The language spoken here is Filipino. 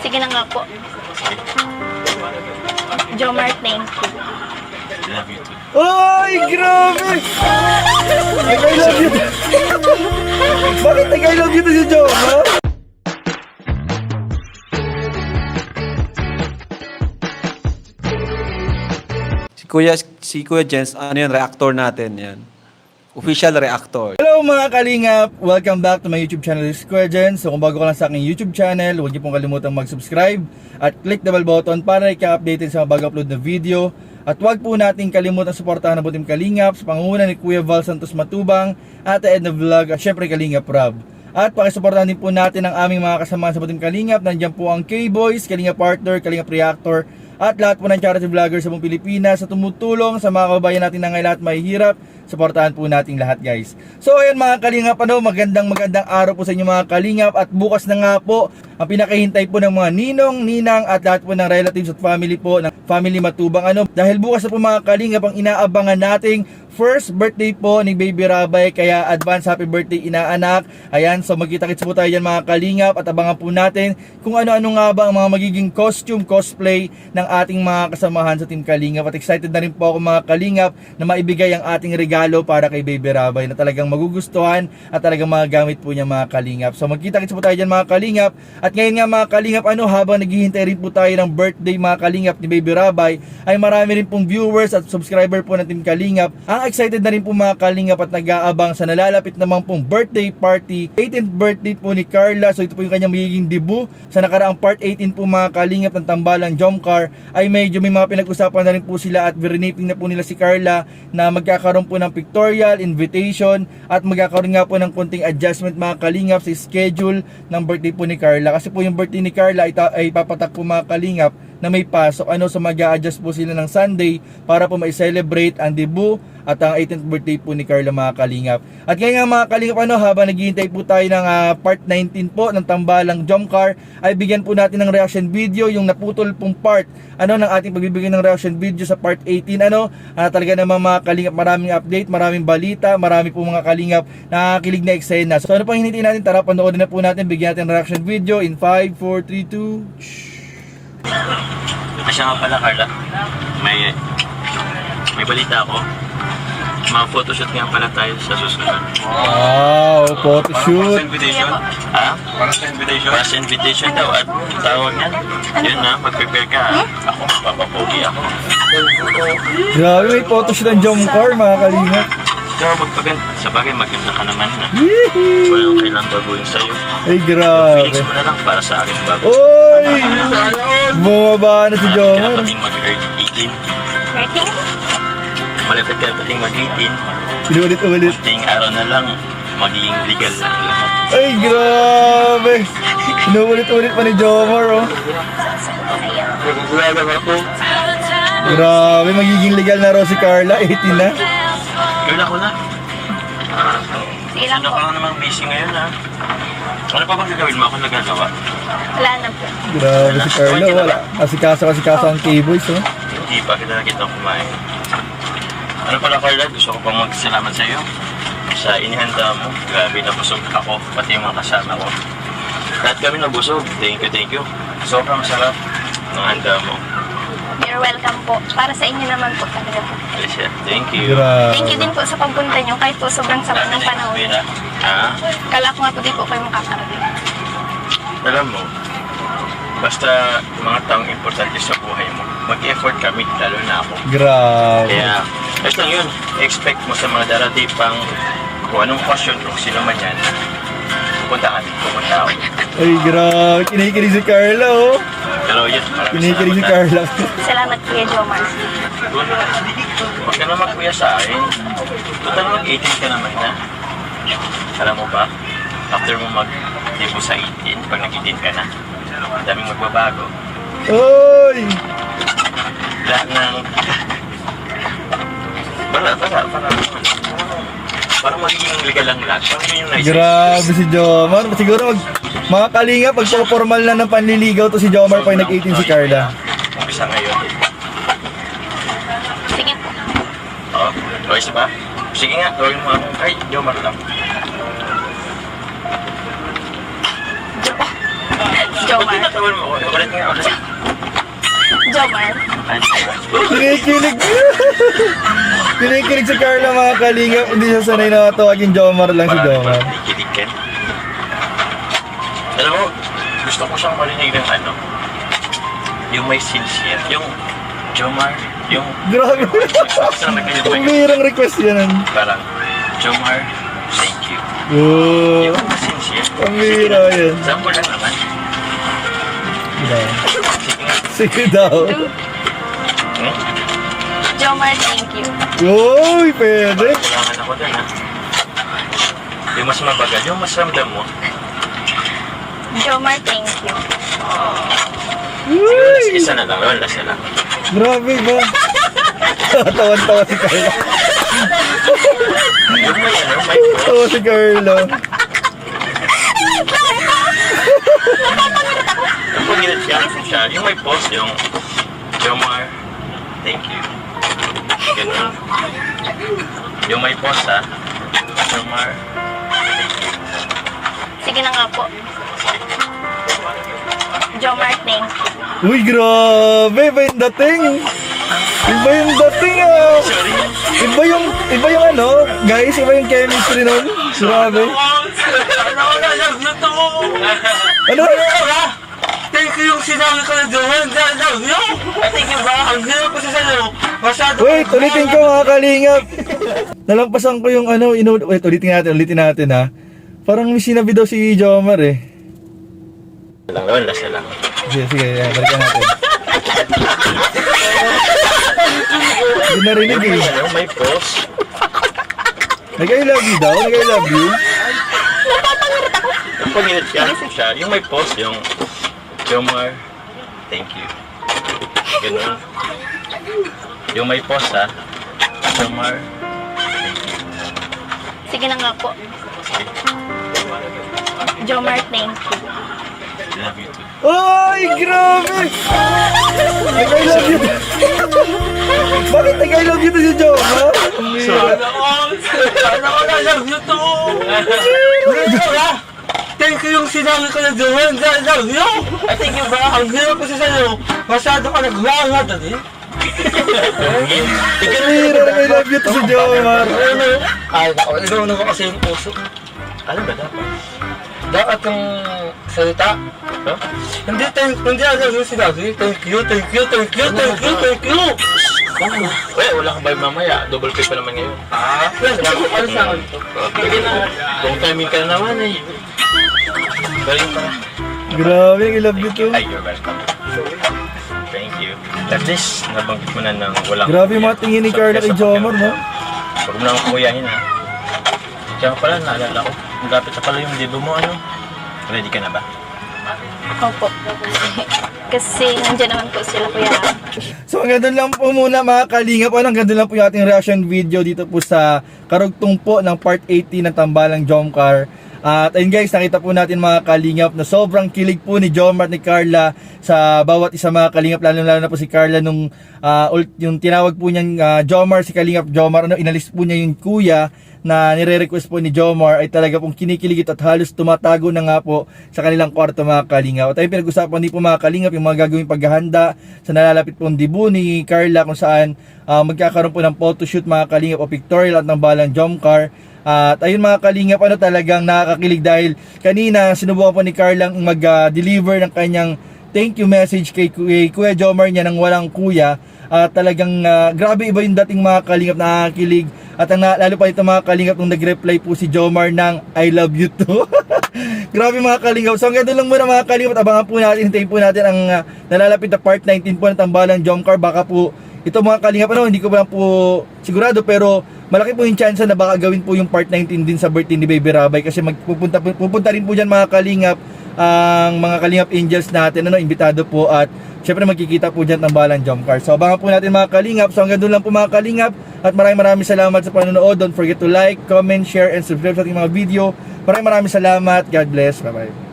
Sige na nga po. Jomar, thank you. Love you too. Ay, grabe! I love you. Bakit I love you to si Joe, ha? Si Kuya Jens, ano yan, reactor natin yan. Official reactor. Hello mga kalingap! Welcome back to my YouTube channel, this is Kuya Jens. So kung bago ka lang sa aking YouTube channel, huwag niyo pong kalimutang mag-subscribe at click the bell button para i-update sa mga bago-upload na video. At huwag po natin kalimutan suportahan ang Butim Kalingap sa pangunguna ni Kuya Val Santos Matubang, Ate Edna Vlog at syempre Kalingap Rob. At pakisuportahan din po natin ang aming mga kasama sa Butim Kalingap. Nandiyan po ang K-Boys, Kalingap Partner, Kalingap Reactor, at lahat po ng charity vloggers sa buong Pilipinas sa tumutulong sa mga kababayan natin na ngayon lahat may hirap. Suportahan po natin lahat, guys. So ayan mga kalingap, magandang araw po sa inyo mga kalingap. At bukas na nga po ang pinakahintay po ng mga ninong, ninang at lahat po ng relatives at family po ng family Matubang. Dahil bukas na po mga kalingap ang inaabangan nating first birthday po ni Baby Rabay, kaya advance happy birthday inaanak. Ayan, so magkita-kits po tayo dyan mga kalingap at abangan po natin kung ano-ano nga ba ang mga magiging costume, cosplay ng ating mga kasamahan sa Team Kalingap. At excited na rin po ako mga kalingap na maibigay ang ating regalo para kay Baby Rabay na talagang magugustuhan at talagang magagamit po niya mga kalingap. So magkita-kits po tayo dyan mga kalingap. At ngayon nga mga kalingap, habang naghihintay rin po tayo ng birthday mga kalingap ni Baby Rabay, ay marami rin pong viewers at subscriber po ng Team Kalingap. Ang excited na rin po mga kalingap at nag-aabang sa nalalapit naman pong birthday party, 18th birthday po ni Carla. So ito po yung kanyang magiging debut. Sa nakaraang part 18 po mga kalingap ng Tambalang Jomcar ay medyo may mga pinag-usapan na rin po sila at verinating na po nila si Carla na magkakaroon po ng pictorial, invitation at magkakaroon nga po ng konting adjustment mga kalingap sa schedule ng birthday po ni Carla. Kasi po yung birthday ni Carla ay papatak po mga kalingap na may pasok. So mag-a-adjust po sila ng Sunday para po ma-celebrate ang debut at ang 18th birthday po ni Carla mga kalingap. At ngayon nga mga kalingap, habang naghihintay po tayo ng part 19 po ng Tambalang Jomcar, ay bigyan po natin ng reaction video yung naputol pong part ng ating pagbibigay ng reaction video sa part 18. Talaga naman mga kalingap, maraming update, maraming balita, marami po mga kalingap nakakilig na eksena. So ano pang hinihintay natin? Tara, panoorin na po natin, bigyan natin ng reaction video in 5, 4, 3, 2. Asya nga pala Carla, may balita ako. Mga photoshoot nga pala tayo sa susunod. Wow, photoshoot. Para sa invitation? Ha? Para sa invitation? Para sa invitation daw at tawag yan. Yun na, mag-prepare ka. Ako, papapogi ako. Grabe, may photoshoot ng Jomcar mga kalingap. Pero sa bagay maganda ka naman na. Walang kailang baguhin sa'yo. Ay grabe. Feelings mo na lang para sa akin bago. Oy! Bumaba na si Jomar. Kaya pating mag-18. Malapit ka pating mag-18. Pinulit-ulit. Kunting araw na lang, magiging legal na ang lahat. Ay grabe. Pinulit-ulit pa ni Jomar, oh. Grabe, magiging legal na raw si Carla. 18 na. Girl, ako na. Sige lang Ano po. ka namang busy ngayon, ha? Ano pa bang gagawin mo? Ako nagagawa. Wala na po. Grabe si Carla, wala. Kasikaso ang K-Boys, oh. Hindi pa kita nakita kumain. Ano pala Carla, gusto ko pang magsalamat sa iyo sa inihanda mo. Grabe na busog ako, pati yung mga kasama ko. Lahat kami nabusog. Thank you. Sobrang sarap ng handa mo. You're welcome po. Para sa inyo naman po talaga po. Alicia, thank you. Grabe. Thank you din po sa pagpunta nyo kahit po sobrang sama ng panahon. Ha? Kala ko nga po di po kayo makakarating. Alam mo, basta mga taong importante sa buhay mo, mag-effort kami, lalo na ako. Grabe. Kaya, basta lang yun, expect mo sa mga darating pang kung anong question, kung sino man yan, pupunta ako. Ay grabe, kinikilig si Carla, oh. Pero yun, maraming Kinikilig si salamat. Carla. Salamat Kuya Jomar. Huwag ka na magkuya sa akin. Total mag-18 ka naman na. Alam mo ba, after mo mag-debut sa 18, pag nag-18 ka na, ang daming magbabago. Oy! Lahat ng... Parang magiging legal lang lahat. Parang yun yung nice. Grabe si Jomar. Siguro mga kalinga, pag formal na ng panliligaw to si Jomar pag nag-18 si Carla. Umpisa ngayon. Sige po. Oo. Okay ba? Sige nga, gawin mo ako. Ay, Jomar lang. Jomar. Ba't tinatawan mo ako? Kinikilig. Kinikilig si Carla mga kalingap. Hindi siya sanay na tawagin Jomar lang si Jomar. Kikilig ka. Alam mo, gusto ko siyang marinig ng ano, yung may sincere, yung Jomar, yung... Grabe. Ang bihirang request yan. Parang, Jomar, thank you. Oh, Yung sincere. ang bihira yan. Sample lang naman. Sige daw. Hmm? Jomar, thank you. Uy, pwede. Kailangan ako dun, ha? Yung mas mabagal, yung mas ramdam mo. Jomar, thank you. Siguro last isa na lang, last na lang. Grabe ba? Tawan-tawa si Carla. Yung may ano, may Tawa si Carla. yung pag-init siya, yung may post, yung Jomar, thank you. Ganun. Yung may post, ha? Jomar, Sige na nga po. Jomar, thank you. Uy, grabe. Iba yung dating. Iba yung dating, ah. sorry. Iba yung ano, guys, iba yung chemistry nun. Grabe. Ano? Thank you yung sinabi ko na doon. Love you. Thank you ba? Ang hirap ko sa sa'yo. Masyado. Wait, ulitin ko mga kalingap. Nalampasan ko yung ano, wait, ulitin natin ha. Parang may sinabi daw si Jomar eh. Last na lang. Sige, balikan natin. Hindi narinig Yung eh. may ano, may post. Nag-I love you daw, nag-I love you. Yung pag-init siya, yung may post, yung Jomar, thank you. Ganun. Yung may post, ha? Jomar, thank you. Sige na nga po. Jomar, thank you. Love you too. Ay, grabe! Nag-I love you. Bakit nag-I love you to si Jomar? Ang bihira. Sana ko na love you too. Thank you yung sinabi ko na doon. Love you. Thank you ba? Ang hirap ko sa sa'yo. Masyado ka naglahat dali. Ang bihira, nag-I love you to si Jomar. Ay, ako. Ikaw na ko kasi yung puso. Ano ba dapat? Dapat yung salita. Huh? Hindi alam yung sinabi. Thank you. Wala, wala kang vibe mamaya. Double pay pa naman ngayon. Ano sa akin ito? Sige na. Long timing ka na naman eh. Galing pa. Grabe, nag-I love you too. Ay, you're welcome. Thank you. At least, nabanggit mo na ng walang... Grabe yung mga tingin ni Carla kay Jomar, no? Huwag mo na akong kuyahin, ha? Kaya pala, naalala ko. Magapit na pala yung debo mo, ano? Ready ka na ba? Opo. Kasi nandiyan naman po sila, kuya. So hanggang doon lang po muna mga kalingap. Hanggang doon lang po yung ating reaction video dito po sa karugtong po ng part 80 ng Tambalang Jomcar. At ayun guys, nakita po natin mga kalingap na sobrang kilig po ni Jomar at ni Carla sa bawat isa mga kalingap, lalo na po si Carla nung yung tinawag po niyang Jomar, si Kalingap Jomar, inalis po niya yung kuya na nire-request po ni Jomar, ay talaga pong kinikiligit at halos tumatago na nga po sa kanilang kwarto mga kalingap. At ayun, pinag-usapan din po mga kalingap yung mga gagawing paghahanda sa nalalapit pong debut ni Carla, kung saan magkakaroon po ng photoshoot mga kalingap o pictorial at ng Balang Jomcar. At ayun mga kalingap, talagang nakakakilig dahil kanina sinubukan po ni Carla mag-deliver ng kanyang thank you message kay Kuya Jomar niya nang walang kuya. At talagang grabe, iba yung dating mga kalingap, nakakakilig. At lalo pa ito mga kalingap nung nag-reply po si Jomar ng I love you too. Grabe mga kalingap. So hanggang doon lang muna mga kalingap, abangan po natin, hintayin po natin ang nalalapit na part 19 po ng Tambalang Jomcar. Baka po ito mga kalingap, hindi ko pa po sigurado, pero malaki po yung chance na baka gawin po yung part 19 din sa birthday ni Baby Rabay, kasi pupunta rin po dyan mga kalingap ang mga kalingap angels natin, imbitado po, at syempre magkikita po dyan ng Tambalang Jomcar. So abangan po natin mga kalingap. So hanggang doon lang po mga kalingap, at maraming salamat sa panonood. Don't forget to like, comment, share, and subscribe sa ating mga video. Maraming salamat. God bless. Bye bye.